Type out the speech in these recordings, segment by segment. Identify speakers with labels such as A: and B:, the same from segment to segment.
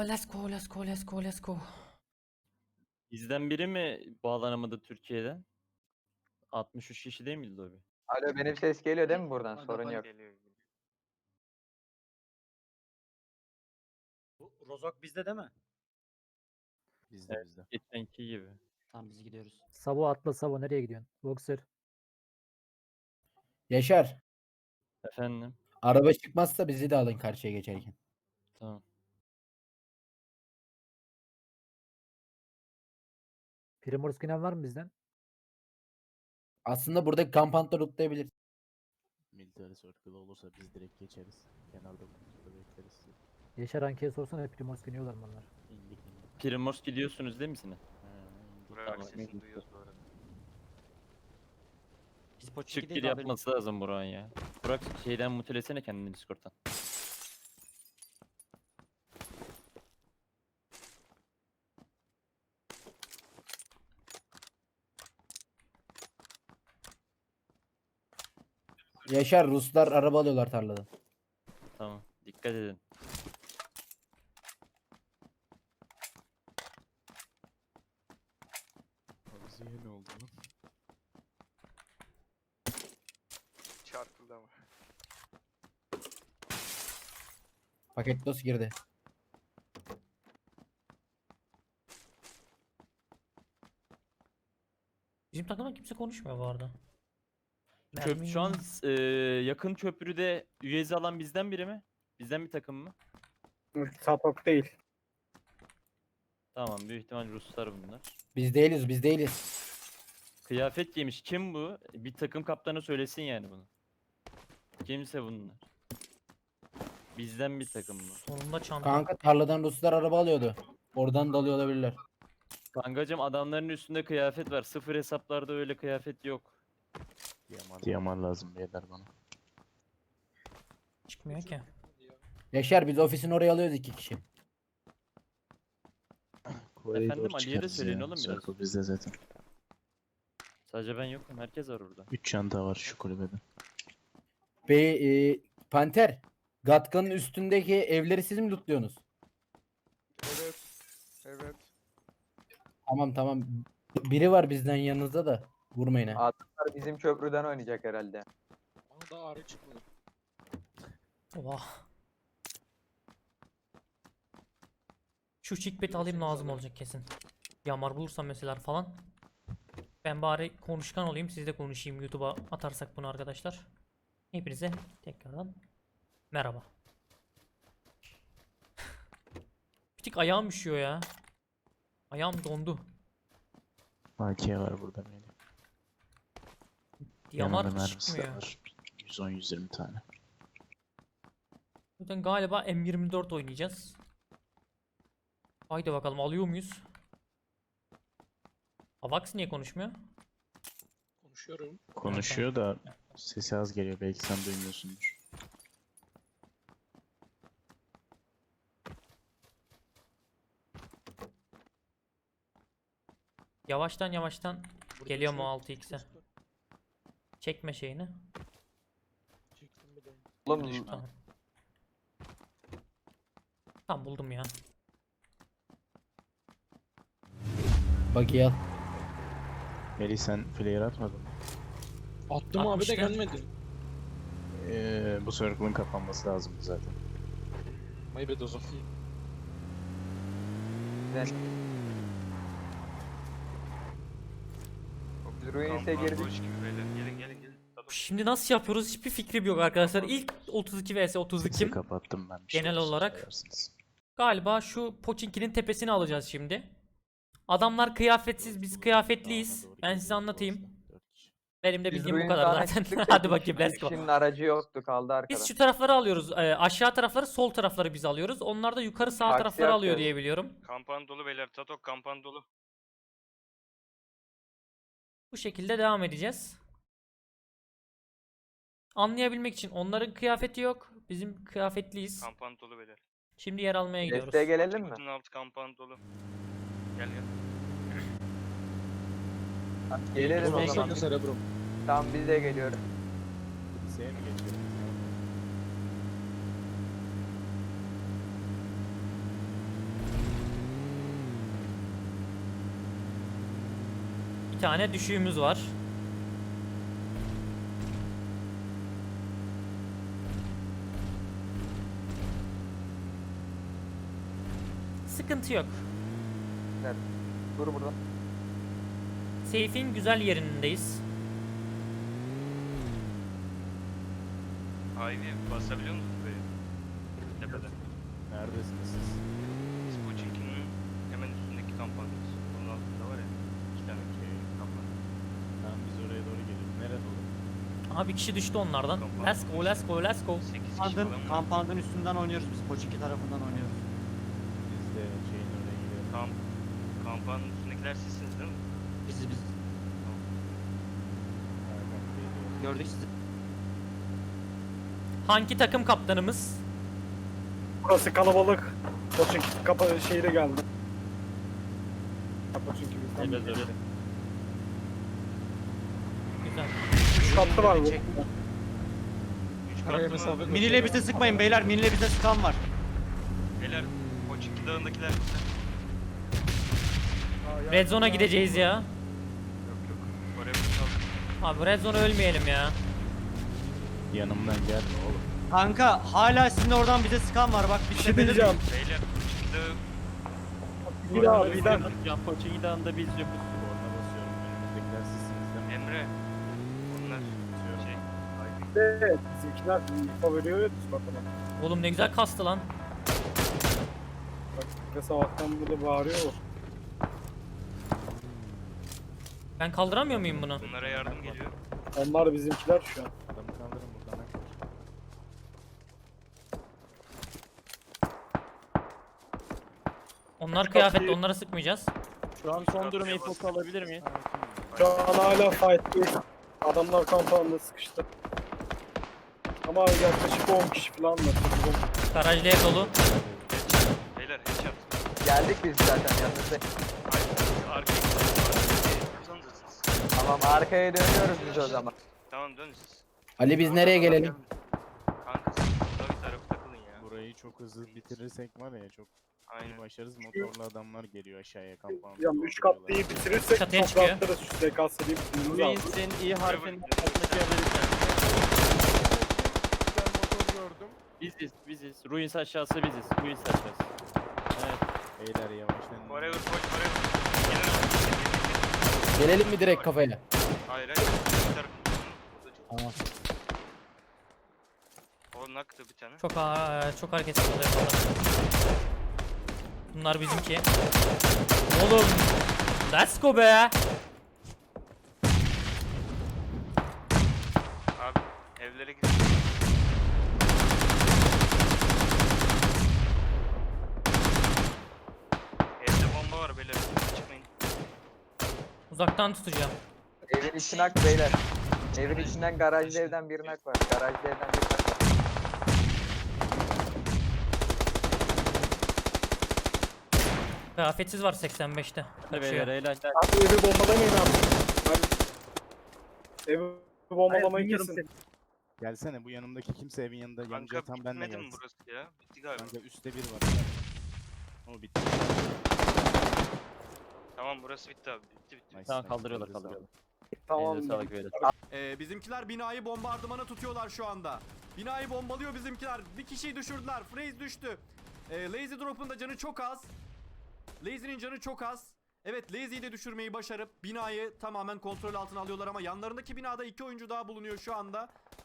A: Let's go, let's go, let's go, let's go.
B: Bizden biri mi bağlanamadı Türkiye'den? 63 kişi değil miydi lobi?
C: Alo, benim ses geliyor değil mi buradan? Sorun yok.
D: Geliyor.
E: Bu Rozok bizde değil mi?
F: Bizde bizde.
B: Geçenki gibi.
A: Tamam biz gidiyoruz.
G: Savo atla Savo nereye gidiyorsun? Boxer.
H: Yaşar.
B: Efendim?
H: Araba çıkmazsa bizi de alın karşıya geçerken.
B: Tamam.
G: Primorus Günen var mı bizden?
H: Aslında buradaki kampanta lootlayabilir.
F: Military circle olursa biz direkt geçeriz. Kenarda burada bekleriz.
G: Yaşar Anke'ye sorsana Primorus Günüyorlar mı onlar?
F: İndik indik.
B: Primors gidiyorsunuz değil misiniz?
D: Buraya
B: Tamam,
D: sesini
B: neyse.
D: duyuyoruz bu arada.
A: Biz Poçinki'deyiz
B: Çık gir
A: haberiniz.
B: yapması lazım Burak'ın ya. Burak şeyden mutelesene kendini Discord'dan.
H: Yaşar Ruslar araba alıyorlar tarladan.
B: Tamam. Dikkat edin.
F: Havuziye ne oldu lan?
D: Çarpıldı ama.
H: Paket dos girdi.
A: Bizim takımda kimse konuşmuyor bu arada.
B: Şu an yakın köprüde üyezi alan bizden biri mi? Bizden bir takım mı?
E: Sapok değil.
B: Tamam, büyük ihtimal Ruslar bunlar.
H: Biz değiliz biz değiliz.
B: Kıyafet giymiş. Kim bu? Bir takım kaptanı söylesin yani bunu. Kimse bunlar. Bizden bir takım bu.
A: Sonunda çanta.
H: Kanka tarladan Ruslar araba alıyordu. Oradan dalıyor olabilirler.
B: Kankacım adamların üstünde kıyafet var. Sıfır hesaplarda öyle kıyafet yok.
F: Diyamar lazım beyler bana.
A: Çıkmıyor ki.
H: Yaşar biz ofisin oraya alıyoruz 2 kişi.
B: Efendim, Ali'ye de söyleyin oğlum biraz.
F: Circle bizde zaten.
B: Sadece ben yokum. Herkes var orada.
F: 3 çanta var şu kulübede.
H: Panter. Gatkan'ın üstündeki evleri siz mi lootluyorsunuz?
D: Evet. Evet.
H: Tamam tamam. Biri var bizden yanınızda da. Vurmayın ha.
C: Adamlar bizim köprüden oynayacak herhalde.
D: Bana da ağrı çıkmadı.
A: Oha. Şu chickbait alayım lazım olacak kesin. Yamar bulursam mesela falan. Ben bari konuşkan olayım, siz de konuşayım YouTube'a atarsak bunu arkadaşlar. Hepinize tekrardan merhaba. Bir tık ayağım üşüyor ya. Ayağım dondu.
F: AK var burada benim.
A: Yamar
F: Yanında mermisi de
A: çıkmıyor.
F: var. 110-120 tane.
A: Zaten galiba M24 oynayacağız. Haydi bakalım alıyor muyuz? Avax niye konuşmuyor?
D: Konuşuyorum.
F: Konuşuyor da sesi az geliyor. Belki sen duymuyorsundur.
A: Yavaştan yavaştan geliyor mu 6x'e? Çekme şeyini.
C: Oğlum
A: Tamam. Tamam buldum ya.
H: Bak al.
F: Melih sen flare atmadın mı?
D: Attım abi de
A: Atmışlar.
D: gelmedi.
F: Bu circle'ın kapanması lazım zaten.
D: Maybet o zaman.
C: biz Ruins'e girdik.
A: Şimdi nasıl yapıyoruz hiçbir fikrim yok arkadaşlar. İlk 32 vs 32
F: Sesi kapattım ben. Bir
A: Genel
F: olursa
A: olarak.
F: sayarsınız.
A: galiba şu Pochinki'nin tepesini alacağız şimdi. Adamlar kıyafetsiz, biz kıyafetliyiz.
F: Dağına doğru
A: Ben size
F: gidiyor,
A: anlatayım.
F: doğru, 4 kişi.
A: Benim de
C: Biz
A: bildiğim bu
C: Ruins
A: kadar
C: Dağı'na
A: zaten.
C: çıktık da
A: Hadi
C: iki
A: bakayım let's go.
C: kişinin aracı yoktu, kaldı arkada.
A: Biz şu tarafları alıyoruz. Aşağı tarafları, sol tarafları biz alıyoruz. Onlar da yukarı sağ
C: Taksi
A: tarafları alıyor
C: yapıyoruz.
A: diye biliyorum.
D: Kampan dolu beyler. Tatok kampan dolu.
A: Bu şekilde devam edeceğiz. Anlayabilmek için onların kıyafeti yok. Bizim kıyafetliyiz.
D: Kampan dolu beyler.
A: Şimdi yer almaya gidiyoruz.
C: Desteğe gelelim mi?
D: Bütün altı kampan dolu. Gel gel.
C: Gelelim o
A: Desteğe
C: zaman.
D: Cerebrum.
C: Tamam biz de geliyoruz.
F: Liseye mi geçiyoruz?
A: tane düşüğümüz var. Sıkıntı yok.
C: Dur burada.
A: Seyfin güzel yerindeyiz.
D: Ivy basabiliyor musunuz böyle? Tepede.
F: Neredesiniz siz?
D: Biz Pochinki'nin hemen üstündeki kampanyamız. Onun altında var ya. 2 tane kampanya.
F: Tamam biz oraya doğru geliyoruz. Nerede olur?
A: Aha bir kişi düştü onlardan. Let's go, let's go, let's go.
D: 8 kişi
E: Kampandın,
D: falan var.
E: kampandın üstünden oynuyoruz biz. Poçinki tarafından oynuyoruz.
F: Biz de şeyin oraya gidiyoruz.
D: Kampanyanın üstündekiler sizsiniz değil mi?
E: Biz.
F: Aynen, geliyoruz.
E: Gördük sizi.
A: Hangi takım kaptanımız?
E: Burası kalabalık. Poçinki şeyi de geldi. Poçinki bizden.
B: Evet, evet.
A: Güzel.
E: 3 katlı var bu.
D: 3 katlı mı?
E: Miniyle bize sıkmayın beyler. Miniyle bize sıkan var.
D: Beyler Pochinki dağındakiler.
A: Red Zone'a gideceğiz ya.
D: Yok yok. Oraya kaldı.
A: Abi Red Zone'a ölmeyelim ya.
F: Yanımdan gelme oğlum.
E: Kanka hala sizin oradan bize sıkan var. Bak bir şey diyeceğim.
D: Beyler Pochinki dağı
E: Bir daha bir daha.
B: Can Poçinki Dağı'nda biz yokuz.
F: Korna basıyorum. Önümüzdekiler sizsiniz değil mi?
D: Emre. Onlar
F: Basıyorum.
D: şey.
E: Evet, bizimkiler info veriyor ya biz bakalım.
A: Oğlum ne güzel kastı lan.
E: Bak bir sabahtan burada bağırıyor.
A: Ben kaldıramıyor muyum bunu?
D: Bunlara yardım geliyor.
E: Onlar bizimkiler şu an.
F: Adamı kaldırın buradan.
A: Onlar kıyafetli, onlara sıkmayacağız.
B: Şu an son durum infosu alabilir miyiz?
E: Şu an hala fight değil. Adamlar kampanda sıkıştı. Ama yaklaşık 10 kişi falan var.
A: Garajlı ev dolu.
D: Beyler headshot.
C: Geldik biz zaten yanınızda.
D: Arkaya kazanırsınız.
C: Tamam arkaya dönüyoruz biz o zaman.
D: Tamam dönün siz.
H: Ali biz nereye gelelim?
D: Kanka siz burada bir tarafı takılın ya.
F: Burayı çok hızlı bitirirsek var ya çok iyi
D: Aynen.
F: başarız. Motorlu adamlar geliyor aşağıya kampanya.
E: Yani 3 katlıyı bitirirsek
A: Çatıya
E: çok
A: çıkıyor.
E: rahatlarız şu SKS'liyi bitirmemiz lazım.
B: Ruins'in i harfinin altındaki yazarı
F: motor gördüm.
B: biziz. Ruins aşağısı biziz. Ruins aşağısı. Evet.
F: Beyler yavaşlayın.
D: Forever forever. Gelin.
H: Gelelim mi direkt kafaya?
D: Hayır hayır. Bir tarafı.
H: Tamam.
D: O naktı bir tane.
A: Çok hareketsiz oluyor bunlar. Bunlar bizimki. Oğlum. Let's go be.
D: Abi evlere gidelim. Evde bomba var beyler. Çıkmayın.
A: Uzaktan tutacağım.
C: Evin içine ak beyler. Evin içinden garajlı evden bir nak var. Garajlı evden bir nak var.
A: Kıyafetsiz var 85'te.
B: Hadi beyler
A: Kaçıyor.
B: eğlenceler.
E: Abi evi bombalamayın abi. Evi bombalamayı kesin.
F: Gelsene bu yanımdaki kimse evin yanında
D: Kanka
F: yanacağı tam benle
D: bitmedi mi
F: gelsin.
D: burası ya? Bitti galiba.
F: Kanka üstte bir var. O bitti.
D: Tamam burası bitti abi. Bitti.
F: Nice,
B: Tamam
F: nice.
B: kaldırıyorlar
F: Elinize
B: kaldırıyorlar.
C: Tamam.
B: Elinize sağlık beyler.
I: Bizimkiler binayı bombardımana tutuyorlar şu anda. Binayı bombalıyor bizimkiler. Bir kişiyi düşürdüler. Freeze düştü. Lazy Drop'un da canı çok az. Lazy'nin canı çok az. Evet Lazy'yi de düşürmeyi başarıp binayı tamamen kontrol altına alıyorlar ama yanlarındaki binada 2 oyuncu daha bulunuyor şu anda.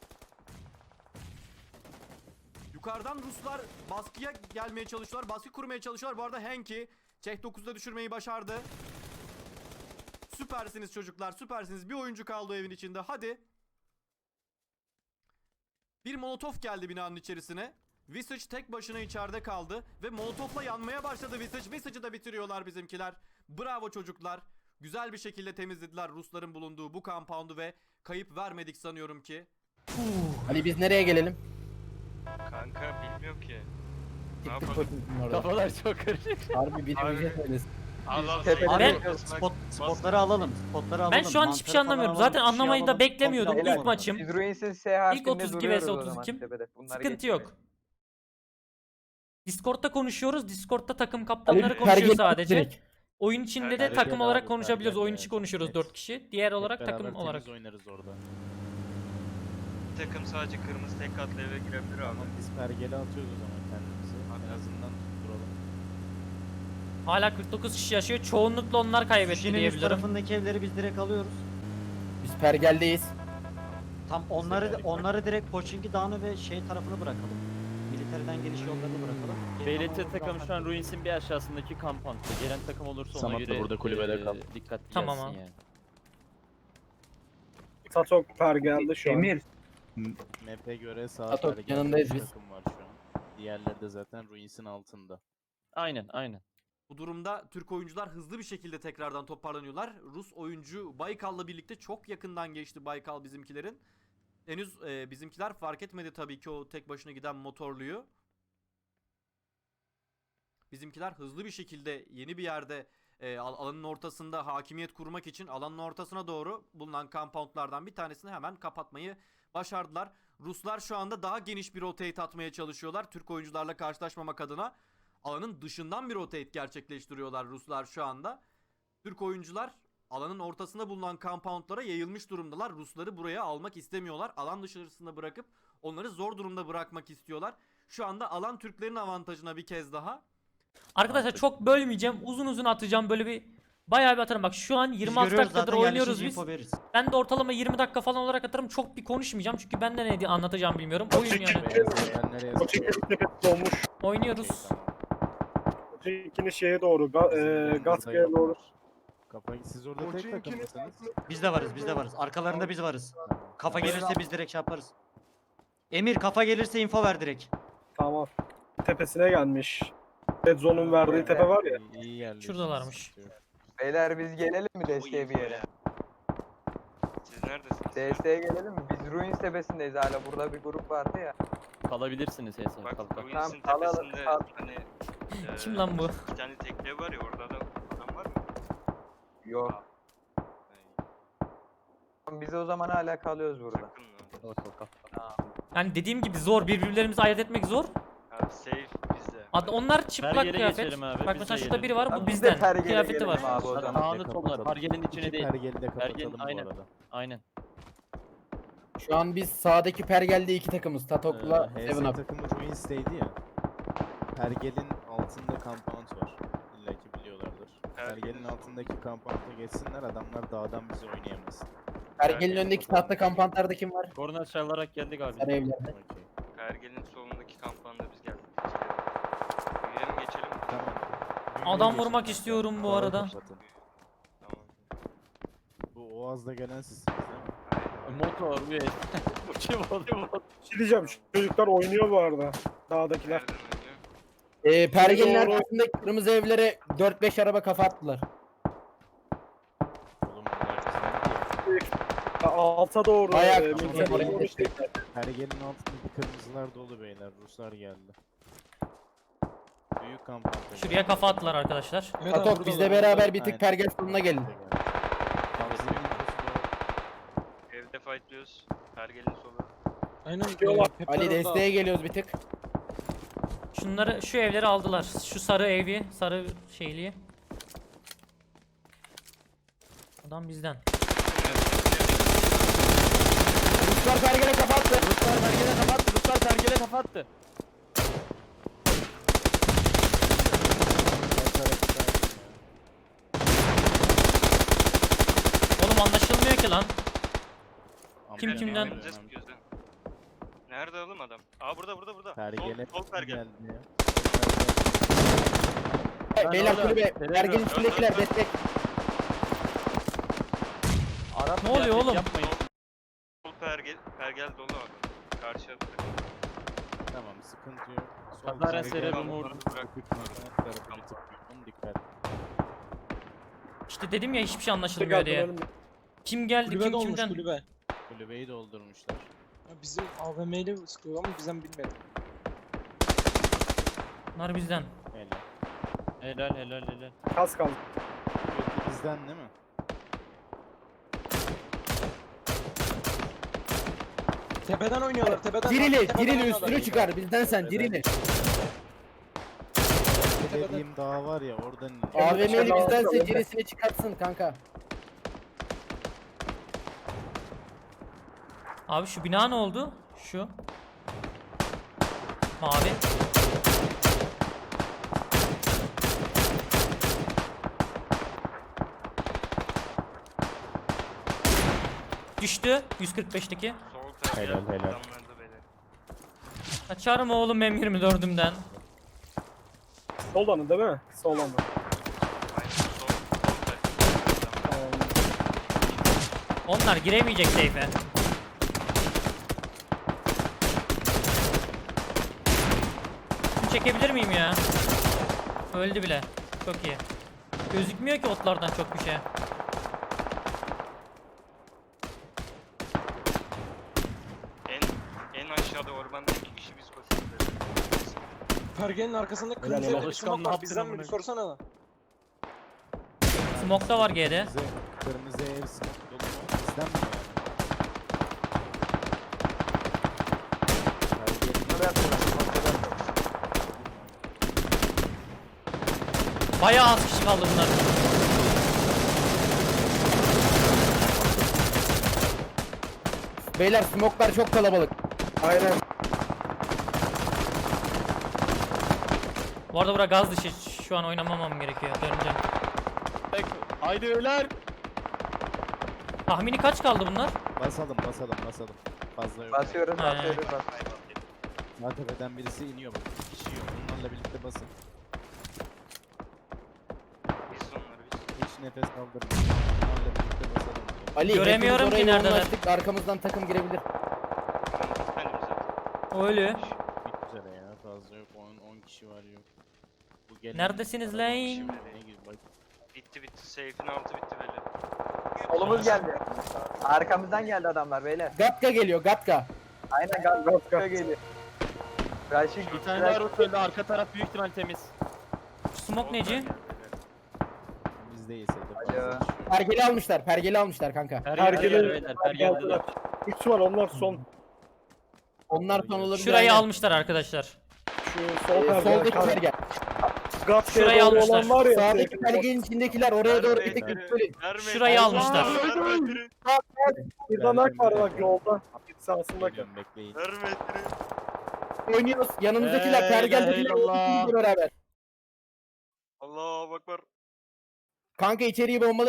I: Yukarıdan Ruslar baskıya gelmeye çalışıyorlar. Baskı kurmaya çalışıyorlar. Bu arada Henki Çek 9'da düşürmeyi başardı. Süpersiniz çocuklar, süpersiniz. Bir oyuncu kaldı o evin içinde. Hadi. Bir molotof geldi binanın içerisine. Visage tek başına içeride kaldı ve molotofla yanmaya başladı Visage. Visage'ı da bitiriyorlar bizimkiler. Bravo çocuklar. Güzel bir şekilde temizlediler Rusların bulunduğu bu compound'u ve kayıp vermedik sanıyorum ki.
H: Ali biz nereye gelelim?
D: Kanka bilmiyorum ki. Ne
H: Gittik
D: yapalım?
H: Poçinki'nin orada.
B: Kafalar çok karışık.
H: Harbi biri
D: Abi.
H: bize söylesin.
D: Allah
C: Tepede
D: Allah.
A: Ben-
E: Spotları alalım. Spotları alalım.
A: Ben şu an hiçbir şey
E: Mantarı falan
A: anlamıyorum.
E: alalım,
A: Zaten
E: bir şey
A: anlamayı da
E: alalım.
A: beklemiyordum.
E: Spotları
A: İlk
E: alalım.
A: maçım.
C: Biz Ruins'in S harfinde
A: 32
C: duruyoruz
A: vs
C: o zaman
A: 32.
C: tepede. Bunları
A: Sıkıntı
C: geçmeyin.
A: yok. Discord'da konuşuyoruz. Discord'da takım kaptanları
H: Ali
A: konuşuyor
H: pergel
A: sadece.
H: direkt.
A: Oyun içinde de
D: Pergel
A: takım
F: abi,
A: olarak konuşabiliyoruz.
F: pergel
A: Oyun
F: ya,
A: içi
F: çok
A: konuşuyoruz
F: net.
A: 4 kişi. Diğer olarak
F: Hep
A: takım
F: beraber
A: olarak.
F: temiz oynarız orada.
D: Bir takım sadece kırmızı tek katlı eve girebilir abi.
F: Ama biz pergeli atıyoruz o zaman kendimizi. En
D: Hatta-
F: azından tutturalım.
A: Hala 49 kişi yaşıyor. Çoğunlukla onlar kaybetti
J: Şişinin üst
A: diyebilirim.
J: tarafındaki evleri biz direkt alıyoruz.
H: Biz pergeldeyiz.
J: Tam onları direkt Poçinki Dağı'nı ve şey tarafını bırakalım. Militeriden geliş yollarını bırakalım. Geri
B: BLT
J: kalan
B: takım şu an
J: bırakmak-
B: Ruins'in bir aşağısındaki kampanta. Gelen takım olursa ona
F: Samat da
B: göre
F: burada kulübede kal.
B: dikkatli
A: Tamam
B: gelsin
A: abi.
B: yani.
E: Tatok pergeldi şu an.
C: Emir.
F: Map'e göre sağ
H: Atok,
F: pergelde
H: yanındayız
F: üç
H: biz.
F: takım var şu an. Diğerleri de zaten Ruins'in altında.
B: Aynen aynen.
I: Bu durumda Türk oyuncular hızlı bir şekilde tekrardan toparlanıyorlar. Rus oyuncu Baykal'la birlikte çok yakından geçti Baykal bizimkilerin. Henüz bizimkiler fark etmedi tabii ki o tek başına giden motorluyu. Bizimkiler hızlı bir şekilde yeni bir yerde alanın ortasında hakimiyet kurmak için alanın ortasına doğru bulunan compoundlardan bir tanesini hemen kapatmayı başardılar. Ruslar şu anda daha geniş bir rotate atmaya çalışıyorlar. Türk oyuncularla karşılaşmamak adına alanın dışından bir rotate gerçekleştiriyorlar Ruslar şu anda. Türk oyuncular alanın ortasında bulunan compoundlara yayılmış durumdalar. Rusları buraya almak istemiyorlar. Alan dışarısında bırakıp onları zor durumda bırakmak istiyorlar. Şu anda alan Türklerin avantajına bir kez daha.
A: Arkadaşlar çok bölmeyeceğim. Uzun uzun atacağım. Böyle bir bayağı bir atarım. Bak şu an
J: Biz
A: 26
J: görüyoruz
A: dakikadır
J: zaten,
A: oynuyoruz
J: yerleşince
A: biz.
J: info veririz.
A: Ben de ortalama 20 dakika falan olarak atarım. Çok bir konuşmayacağım çünkü ben de ne diye anlatacağım bilmiyorum. Oyun yani.
F: Beyaz yer nereye
E: Poçinki'nin
F: zıplıyor?
E: tepesi dolmuş.
A: Oynuyoruz.
F: Okey, tamam.
E: Poçinki'nin şeye doğru.
F: Bizim
E: Gaska'ya
F: orada
E: doğru.
F: yok. Kafayı siz orada tek takım mısınız?
J: Biz de varız. Arkalarında biz varız. Kafa
E: Tamam.
J: gelirse biz direkt şey yaparız. Emir kafa gelirse info ver direkt.
E: Tamam. Tepesine gelmiş. Red Zone'un verdiği tepe var ya.
F: İyi yerleştiniz,
A: Şuradalarmış.
F: sıkıntı yok.
C: Beyler biz gelelim mi desteğe bir yere?
D: Siz neredesiniz?
C: Desteğe gelelim mi? Biz Ruins tepesindeyiz hala. Burada bir grup vardı ya.
B: Kalabilirsiniz Hesa.
D: Bak
B: Kalk kalk.
D: Ruins'in
C: Tamam,
D: tepesinde
C: kal.
D: hani
A: Kim lan bu?
D: iki tane tekne var ya orada da adam var mı?
C: Yok.
D: Yani,
C: Biz o zaman hala kalıyoruz burada.
D: sakın lan.
B: Kalk kalk kalk.
A: Yani dediğim gibi zor. Birbirlerimizi ayırt etmek zor.
D: Abi safe bizde.
A: Onlar çıplak
B: Pergele
A: kıyafet.
B: geçelim abi,
A: Bak
B: biz
A: mesela
B: de
A: şurada biri
B: gelelim.
A: var. Bu
C: Tamam, biz de
A: bizden.
C: pergele
A: Kıyafeti
C: gelelim
A: var.
C: abi o zaman.
B: Sağını sollar. Pargelin içine
F: İki
B: değil.
F: pergeli de kapatalım bu
B: aynen.
F: arada.
B: Aynen.
H: Şu an biz sağdaki pergelde iki takımız. Tatok'la
F: HS
H: Seven Up.
F: takımı Ruins'teydi ya. Pergel'in altında compound var. İlla ki biliyorlardır. Pergel'in altındaki compound'a geçsinler, adamlar dağdan bizi oynayamasın.
H: Pergel'in önündeki tahta kampantlarda kim var?
B: Korna çalarak geldik abi.
H: Sarı evlerde.
F: Okey.
D: Pergel'in solundaki kampanda biz geldik. Girelim geçelim.
F: Tamam.
A: Adam
F: Düğüne
A: vurmak
F: geçin
A: istiyorum bu
F: kanka.
A: arada.
F: Kapatın.
D: Tamam.
F: Bu Oğaz'da gelen sizsiniz değil mi?
B: Motor bir. Bu kim oldu?
E: Bir şey diyeceğim. Şu çocuklar oynuyor bu arada. Dağdakiler.
D: Nereden oynuyor?
H: Pergel'in
E: Doğru.
H: arkasındaki kırmızı evlere 4-5 araba kafa attılar.
F: Oğlum bunlar bizden değil.
E: Alta doğru.
H: Bayağı
E: militer
H: kırmızı
E: doğru
H: oraya
E: şey-
F: Pergel'in altındaki kırmızılar dolu beyler. Ruslar geldi. Büyük compound'a
A: Şuraya
F: geldi.
A: kafa attılar arkadaşlar.
H: Tatok bizle beraber bir tık
F: Aynen.
H: pergel sonuna gelin.
F: Bizim infosu da-
D: Evde fightlıyoruz. Pergel'in solu.
E: Çıkıyorlar.
H: Ali desteğe geliyoruz bir tık.
A: Şunları şu evleri aldılar. Şu sarı evi, sarı şeyliği. Adam bizden.
H: Ruslar pergele kafa attı.
B: Ruslar pergele kapattı. Ruslar pergele kapattı.
A: Oğlum anlaşılmıyor ki lan.
F: Ama
A: Kim
F: yani
A: kimden?
F: önemli.
D: Önümüze sıkıyoruz ha. Nerede oğlum adam? Aa burada.
F: Pergele
D: Sol pergel.
F: geldi ya.
B: Ben
H: Beyler
B: orada
H: kulübe.
B: terör
H: Pergelin
B: gördüm.
H: üstündekiler destek.
B: Arap
A: Ne oluyor
B: kıyafet
A: oğlum?
B: Yapmayın.
D: Sol pergel dolu abi. Karşı
F: Tamam, sıkıntı yok.
B: Kazara
F: pergel
B: serebrum
F: var.
B: vurdu.
F: Dikkat.
A: İşte dedim ya hiçbir şey anlaşılmıyor diye. Kim geldi kim kimden?
F: Kulübeyi doldurmuşlar.
E: Bizi AVM'yle sıkıyor ama bizden bilmedi.
A: Bunlar bizden.
F: Helal.
B: Helal.
E: Kas kaldı.
F: Kulübe bizden değil mi?
E: Tepeden oynuyorlar. Tepeden.
H: Dirili üstünü çıkar. Bizden sen dirili.
F: dediğim dağ var ya oradan iniyor.
H: AVM'li bizdense cirisini çıkartsın kanka.
A: Abi şu bina ne oldu? Şu. Mavi. Düştü 145'teki.
D: Sol tarafı
F: Helal, helal.
D: adamlarda beyler.
A: Kaçarım oğlum M24'ümden.
E: Soldan değil mi? Soldan.
D: Aynen sol tarafı adamlar.
A: Onlar giremeyecek seyfe. Şunu çekebilir miyim ya? Öldü bile. Çok iyi. Gözükmüyor ki otlardan çok bir şey.
D: En aşağıda orbanda 2 kişi biz koşuyoruz.
E: Pergenin arkasında
F: kırmızı evde bir smoke var.
E: Bizden mi? Sorsana da.
A: Smoke da var G'de.
F: Kırmızı ev smoke dolu mu? Bizden mi yani? Pergelin
C: Buraya atıyorlar. Ortada atıyorlar.
A: Bayağı az kişi kaldı bunlar.
H: Beyler smoklar çok kalabalık.
E: Aynen.
A: Bu arada bura gaz dışı. Şu an oynamamam gerekiyor. Döneceğim.
B: Haydi öler.
A: Tahmini kaç kaldı bunlar?
F: Basalım. Fazla yok.
C: Basıyoruz,
A: He.
C: basıyoruz, basıyoruz.
F: Sağ tepeden birisi iniyor bak. Bir kişi yok. Onlarla birlikte basın.
D: Biz onları biz.
F: Hiç nefes kaldırmayın. Onlarla birlikte basalım.
H: Ali
A: Göremiyorum
H: hepimiz
A: ki
H: oraya
A: neredeler.
H: yoğunlaştık, arkamızdan takım girebilir.
D: Benim zaten.
A: Öyle.
F: Bitmek üzere ya. Fazla yok. 10 kişi var yok. Bu gelen
A: Neredesiniz
F: kalabalık
A: lan?
F: kişi ne gibi bak.
D: Bitti. Seyfin altı bitti beyler.
C: Solumuz geldi. Arkamızdan geldi adamlar beyler.
H: Gatka geliyor Gatka.
C: Aynen gaz geliyor. Raşit
B: Bir tane daha rot öldü. Arka taraf büyük ihtimal temiz.
A: Smoke neci?
F: Biz değilse de fazla
C: Alo.
F: kişi yok.
H: Pergeli almışlar kanka.
B: Pergeli.
E: Büyük ihtimal onlar son.
H: Onlar son olabilir.
A: Şurayı
H: aynen.
A: almışlar arkadaşlar.
E: Şu sol pergel.
H: Soldaki pergel.
E: Gatka'ya
A: Şurayı
E: doğru
A: almışlar.
E: olan var ya.
H: Sağdaki pergelin içindekiler oraya doğru bir tek böyle.
A: Şurayı almışlar.
E: Burada nak var bak yolda. Sağsındaki.
F: Geliyorum, bekleyin.
H: Oynuyoruz. Yanımızdakiler pergel
B: Allah.
H: ikimiz beraber.
D: Allahu Ekber.
H: Kanka içeriği bombalı.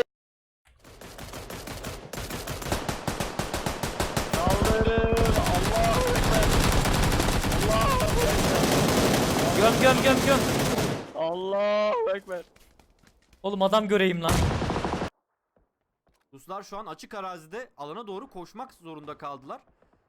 B: Saldırın. Allahu Ekber. Allahu Ekber.
A: Göm.
B: Allahu Ekber.
A: Oğlum adam göreyim lan.
I: Ruslar şu an açık arazide alana doğru koşmak zorunda kaldılar.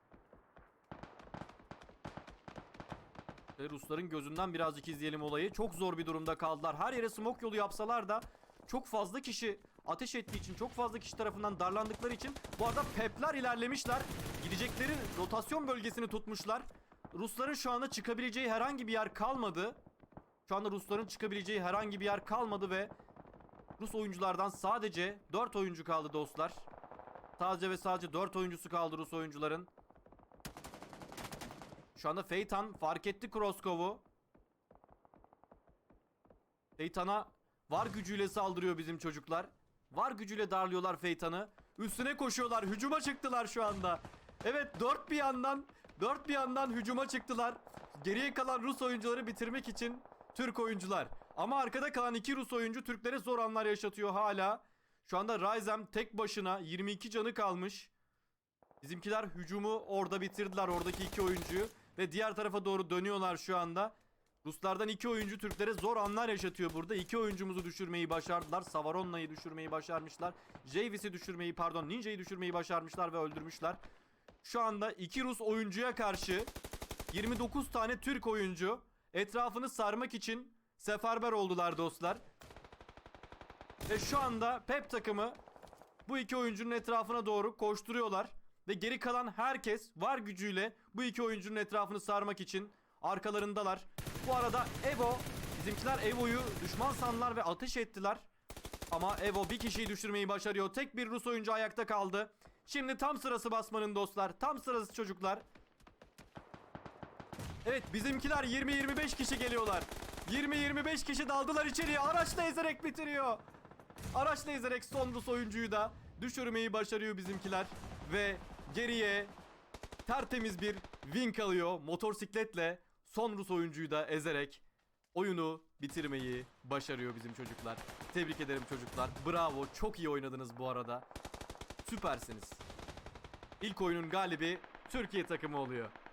I: Ve Rusların gözünden birazcık izleyelim olayı. Çok zor bir durumda kaldılar. Her yere smoke yolu yapsalar da çok fazla kişi ateş ettiği için, çok fazla kişi tarafından darlandıkları için bu arada pepler ilerlemişler. Gidecekleri rotasyon bölgesini tutmuşlar. Rusların şu anda çıkabileceği herhangi bir yer kalmadı. Şu anda Rusların çıkabileceği herhangi bir yer kalmadı ve Rus oyunculardan sadece 4 oyuncu kaldı dostlar. Sadece 4 oyuncusu kaldı Rus oyuncuların. Şu anda Feytan fark etti Kroskov'u. Feytan'a var gücüyle saldırıyor bizim çocuklar. Var gücüyle darlıyorlar Feytan'ı. Üstüne koşuyorlar. Hücuma çıktılar şu anda. Evet, dört bir yandan hücuma çıktılar. Geriye kalan Rus oyuncuları bitirmek için Türk oyuncular. Ama arkada kalan 2 Rus oyuncu Türklere zor anlar yaşatıyor hala. Şu anda Ryzem tek başına 22 canı kalmış. Bizimkiler hücumu orada bitirdiler, oradaki 2 oyuncuyu. Ve diğer tarafa doğru dönüyorlar şu anda. Ruslardan 2 oyuncu Türklere zor anlar yaşatıyor burada. 2 oyuncumuzu düşürmeyi başardılar. Savaronna'yı düşürmeyi başarmışlar. Javis'i düşürmeyi, Ninja'yı düşürmeyi başarmışlar ve öldürmüşler. Şu anda 2 Rus oyuncuya karşı 29 tane Türk oyuncu etrafını sarmak için seferber oldular dostlar. Ve şu anda Pep takımı bu 2 oyuncunun etrafına doğru koşturuyorlar. Ve geri kalan herkes var gücüyle bu 2 oyuncunun etrafını sarmak için arkalarındalar. Bu arada Evo, bizimkiler Evo'yu düşman sandılar ve ateş ettiler. Ama Evo bir kişiyi düşürmeyi başarıyor. Tek bir Rus oyuncu ayakta kaldı. Şimdi tam sırası basmanın dostlar. Tam sırası çocuklar. Evet, bizimkiler 20-25 kişi geliyorlar. 20-25 kişi daldılar içeriye. Araçla ezerek bitiriyor. Araçla ezerek son Rus oyuncuyu da düşürmeyi başarıyor bizimkiler. Ve geriye tertemiz bir win kalıyor. Motorsikletle son Rus oyuncuyu da ezerek oyunu bitirmeyi başarıyor bizim çocuklar. Tebrik ederim çocuklar. Bravo. Çok iyi oynadınız bu arada. Süpersiniz. İlk oyunun galibi Türkiye takımı oluyor.